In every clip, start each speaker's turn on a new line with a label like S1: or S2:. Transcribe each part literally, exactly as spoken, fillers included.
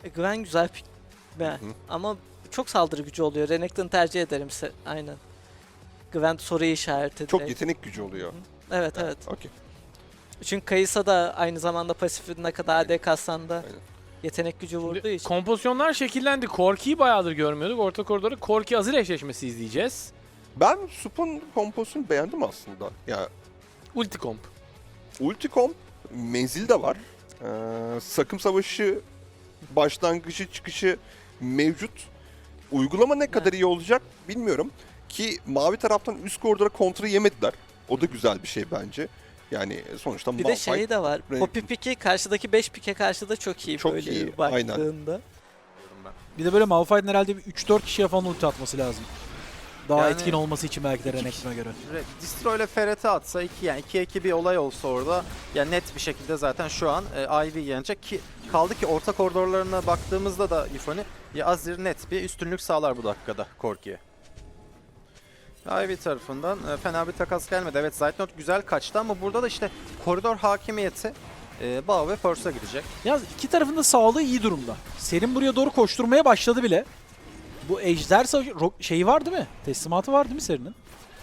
S1: E, Gwen güzel pick. Be. Ama çok saldırı gücü oluyor. Renekton'u tercih ederim. Aynen. Gwen soru işareti.
S2: Çok
S1: direkt.
S2: yetenek gücü oluyor.
S1: Evet evet.
S2: Okey.
S1: Çünkü Kayısa da aynı zamanda pasifine kadar A D kassan da
S2: Aynen.
S1: yetenek gücü vurduğu
S3: Şimdi
S1: için.
S3: kompozisyonlar şekillendi. Korki'yi bayağıdır görmüyorduk. Orta koridorda Korki Azir eşleşmesi izleyeceğiz.
S2: Ben Sup'un komposunu beğendim aslında. Ya
S3: Ulti komp.
S2: ulti comp, menzil de var. Ee, sakım savaşı başlangıcı çıkışı mevcut. Uygulama ne kadar iyi olacak bilmiyorum. Ki mavi taraftan üst koridora kontra yemediler. O da güzel bir şey bence. Yani sonuçta
S1: Bir de şey de var.
S2: Renk-
S1: Poppy pick'i karşıdaki beş pick'e karşı da çok iyi
S2: Çok
S1: böyle
S2: iyi,
S1: baktığında.
S4: Bir de böyle Malphite'ın herhalde bir üç dört kişiye falan ulti atması lazım. Daha
S5: Yani-
S4: etkin olması için belki de Renekton'a göre.
S5: Re- Distro ile Ferret'e atsa iki yani ikiye iki bir olay olsa orada ya net bir şekilde zaten şu an e, Ivy yenecek ki kaldı ki orta koridorlarına baktığımızda da Yifoni ya Azir net bir üstünlük sağlar bu dakikada Korki'ye. Ivy tarafından e, fena bir takas gelmedi. Evet Zaytnot güzel kaçtı ama burada da işte koridor hakimiyeti e, Bao ve Force'a gidecek.
S4: Yalnız iki tarafın da sağlığı iyi durumda. Serin buraya doğru koşturmaya başladı bile. Bu ejder savaşı ro- şeyi var değil mi? Teslimatı var değil mi Serin'in?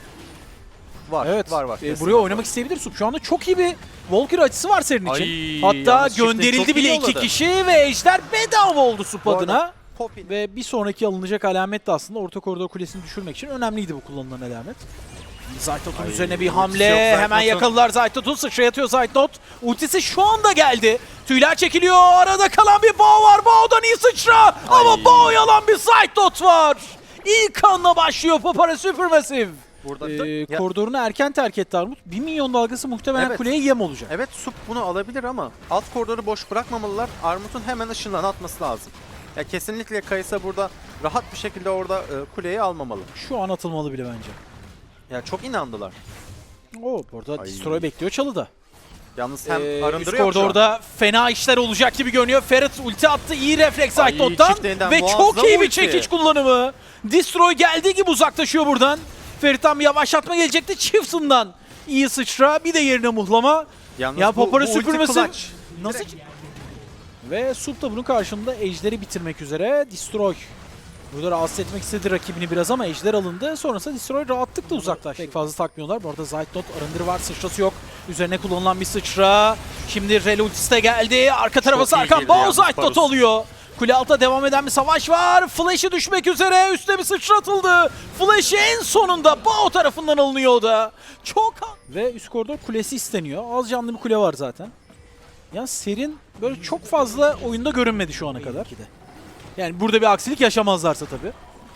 S5: Var
S4: Evet.
S5: var var.
S4: E,
S5: kesin
S4: buraya
S5: var.
S4: oynamak isteyebilir Sup. Şu anda çok iyi bir Valkyrie açısı var Serin için.
S5: Ay,
S4: Hatta
S5: yalnız çiftin
S4: gönderildi
S5: çok
S4: bile
S5: iyi
S4: iki
S5: yolladı.
S4: kişi ve ejder bedava oldu Sup
S5: Bu arada
S4: adına.
S5: Poppy'nin
S4: Ve bir sonraki alınacak alamet de aslında orta koridor kulesini düşürmek için önemliydi bu kullanılan alamet. Zaytnot'un
S5: Ay,
S4: üzerine bir
S5: ultisi
S4: hamle.
S5: yok
S4: Hemen
S5: Zaytnot'un.
S4: yakaladılar Zaytnot'u. Sıçrayatıyor Zaytnot. Ultisi şu anda geldi. Tüyler çekiliyor. Arada kalan bir Bao var. Bao'dan iyi sıçra. Ama Bao'ya alan bir Zaytnot var. İlk anla başlıyor Papara Supermassive.
S5: burada
S4: Ee,
S5: Ya-
S4: koridorunu erken terk etti Armut. bir milyon dalgası muhtemelen
S5: Evet.
S4: kuleye yem olacak.
S5: Evet Sup bunu alabilir ama alt koridoru boş bırakmamalılar. Armut'un hemen ışınlarını atması lazım. Ya kesinlikle Kayısa burada rahat bir şekilde orada e, kuleyi almamalı.
S4: Şu an atılmalı bile bence.
S5: Ya çok inandılar.
S4: Oo, burada
S5: Ay.
S4: Destroy bekliyor çalıda.
S5: Yalnız hem
S4: Ee, üst
S5: arındırıyor mu şu an?
S4: koridorda fena işler olacak gibi görünüyor. Ferret ulti attı. İyi refleks
S5: Ay,
S4: Zaytnot'tan
S5: çiftliğinden
S4: ve
S5: muazzam
S4: çok iyi bir
S5: ulti.
S4: çekiç kullanımı. Destroy geldiği gibi uzaklaşıyor buradan. Ferret'ten bir yavaşlatma gelecekti. Chieftain'dan iyi sıçra. Bir de yerine muhlama.
S5: Yalnız
S4: Ya
S5: bu-
S4: Papara
S5: bu ulti
S4: süpürmesi
S5: clutch.
S4: nasıl? Ve Sup da bunun karşında Ejder'i bitirmek üzere. Destroy burada rahatsız etmek istedi rakibini biraz ama Ejder alındı. Sonrasında Destroy rahatlıkla uzaklaştı. Pek fazla takmıyorlar. Bu arada Zaytnot arındırı var. Sıçrası yok. Üzerine kullanılan bir sıçra. Şimdi Rel ultisi de geldi. Arka tarafa
S5: iyi
S4: sarkan
S5: girdi
S4: Bao
S5: yalnız
S4: Zaytnot
S5: Barus.
S4: oluyor. Kule altta devam eden bir savaş var. Flash'ı düşmek üzere. Üstüne bir sıçratıldı. Flash en sonunda Bao tarafından alınıyor o da. Çok ve üst koridor kulesi isteniyor. Az canlı bir kule var zaten. Ya Serin böyle çok fazla oyunda görünmedi şu ana kadar. Yani burada bir aksilik yaşamazlarsa tabii.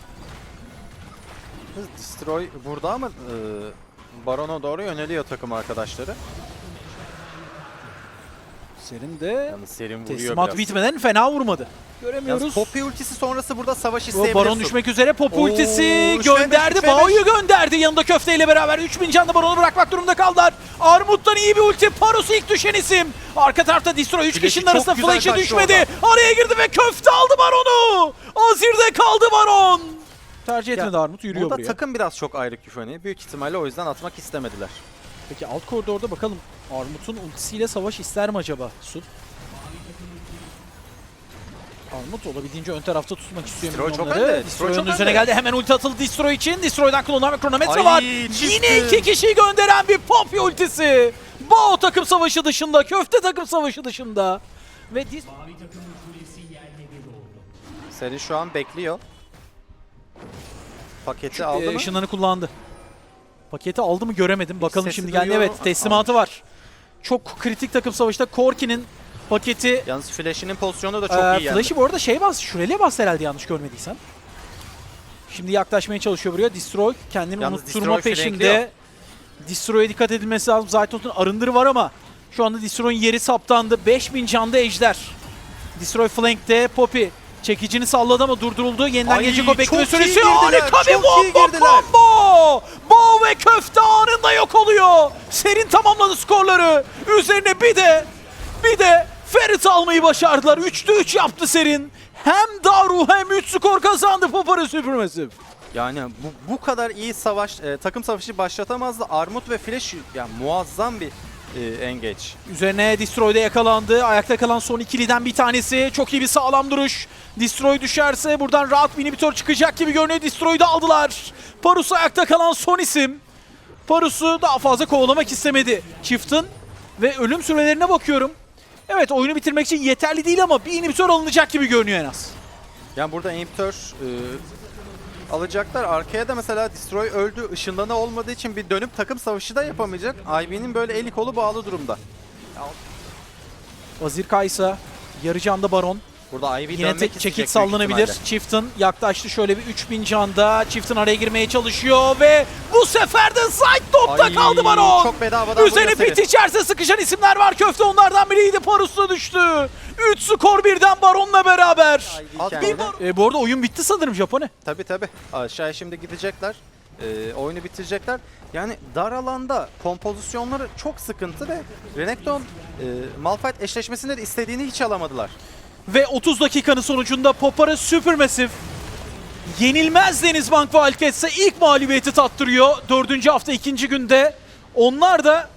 S5: Destroy burada ama e, Baron'a doğru yöneliyor takım arkadaşları.
S4: Serin de
S5: Yalnız Serin vuruyor
S4: teslimat
S5: biraz.
S4: bitmeden fena vurmadı.
S5: Yalnız
S4: Göremiyoruz.
S5: Poppy ultisi sonrası burada savaş
S4: Bu
S5: isteyebilir.
S4: Baron
S5: Sup.
S4: düşmek üzere. Pop
S5: Oo,
S4: ultisi
S5: üç ve beş,
S4: gönderdi.
S5: üç ve beş.
S4: Bao'yu gönderdi. Yanında köfteyle beraber üç bin canlı Baron'u bırakmak durumunda kaldılar. Armut'tan iyi bir ulti. Parus ilk düşen isim. Arka tarafta Destroy üç
S5: Flash'i
S4: kişinin
S5: çok
S4: arasında
S5: güzel
S4: flash'ı
S5: kaçtı
S4: düşmedi. Araya girdi ve köfte aldı Baron'u. Azir'de kaldı Baron. Tercih etmedi
S5: Ya,
S4: Armut. Yürüyor
S5: Burada
S4: buraya.
S5: takım biraz çok ayrık Yifoni. Büyük ihtimalle o yüzden atmak istemediler.
S4: Peki alt koridorda bakalım Armut'un ultisiyle savaş ister mi acaba Sup? Armut olabildiğince ön tarafta tutmak istiyor
S5: Destroy çok
S4: milyonları.
S5: önde, Destroy
S4: Destroy'un
S5: çok
S4: üzerine
S5: önde.
S4: geldi. Hemen ulti atıldı Destroy için. Destroy'dan kullanılan bir kronometre
S5: Ay,
S4: var.
S5: çıktı.
S4: Yine iki kişiyi gönderen bir Poppy ultisi. Bao takım savaşı dışında, köfte takım savaşı dışında. Ve Dis-
S5: Seri şu an bekliyor. Paketi
S4: Ee,
S5: aldı mı?
S4: ışınlarını kullandı. Paketi aldı mı göremedim. Bakalım
S5: sesi
S4: şimdi geldi.
S5: duyuyorum.
S4: Evet teslimatı var. Çok kritik takım savaşta Korki'nin paketi.
S5: Yalnız Flash'inin pozisyonu da çok
S4: Ee,
S5: iyi yani.
S4: Flash'ı bu arada şey bas, şuraya bas herhalde yanlış görmediysem. Şimdi yaklaşmaya çalışıyor buraya. Destroy kendini
S5: Yalnız
S4: unutturma
S5: Destroy
S4: peşinde.
S5: flankliyor.
S4: Destroy'a dikkat edilmesi lazım. Zaytnot'un arındırı var ama şu anda Destroy'un yeri saptandı. beş bin canda Ejder. Destroy flankte. Poppy çekicini salladı ama durduruldu. Yeniden
S5: Ay,
S4: gelecek o bekleme
S5: çok iyi
S4: süresi.
S5: girdiler,
S4: Harika bir
S5: çok iyi
S4: bomba
S5: girdiler.
S4: combo. Bao ve köfte anında yok oluyor. Serin tamamladı skorları. Üzerine bir de bir de Ferret almayı başardılar. üçte üç yaptı Serin. Hem Daru hem üç skor kazandı Papara Supermassive.
S5: Yani bu, bu kadar iyi savaş, e, takım savaşı başlatamazdı. Armut ve Flash yani muazzam bir e, engage.
S4: Üzerine Destroy'da yakalandı. Ayakta kalan son ikiliden bir tanesi. Çok iyi bir sağlam duruş. Destroy düşerse buradan rahat bir inhibitor çıkacak gibi görünüyor. Destroy'u da aldılar. Parus ayakta kalan son isim. Parus'u daha fazla kovalamak istemedi. Chieftain ve ölüm sürelerine bakıyorum. Evet, oyunu bitirmek için yeterli değil ama bir inhibitor alınacak gibi görünüyor en az.
S5: Yani burada inhibitor e, alacaklar. Arkaya da mesela Destroy öldü. Işınlanı olmadığı için bir dönüp takım savaşı da yapamayacak. I V'nin böyle eli kolu bağlı durumda.
S4: Vazir Kaysa, yarı canda Baron.
S5: Burada I V
S4: Yine
S5: dönmek
S4: tek
S5: isteyecek
S4: çekit
S5: büyük
S4: sallanabilir.
S5: ihtimalle.
S4: Chieftain yaklaştı şöyle bir üç bin canda. Chieftain araya girmeye çalışıyor ve bu sefer de Zayt topta
S5: Ay,
S4: kaldı Baron.
S5: Çok bedavadan
S4: Üzerine
S5: vuruyor
S4: pit içerse sıkışan isimler var. Köfte onlardan biriydi. Parus'ta düştü. üç skor birden Baron'la beraber.
S5: Seri. At Kendine- bir bar-
S4: E, bu arada oyun bitti sanırım Japone.
S5: Tabii tabii. Aşağıya şimdi gidecekler. Ee, oyunu bitirecekler. Yani dar alanda kompozisyonları çok sıkıntı ve Renekton e, Malphite eşleşmesinde de istediğini hiç alamadılar.
S4: Ve otuz dakikanın sonucunda Popara Supermassive yenilmez Denizbank Wildcats'e ilk mağlubiyeti tattırıyor. Dördüncü hafta ikinci günde. Onlar da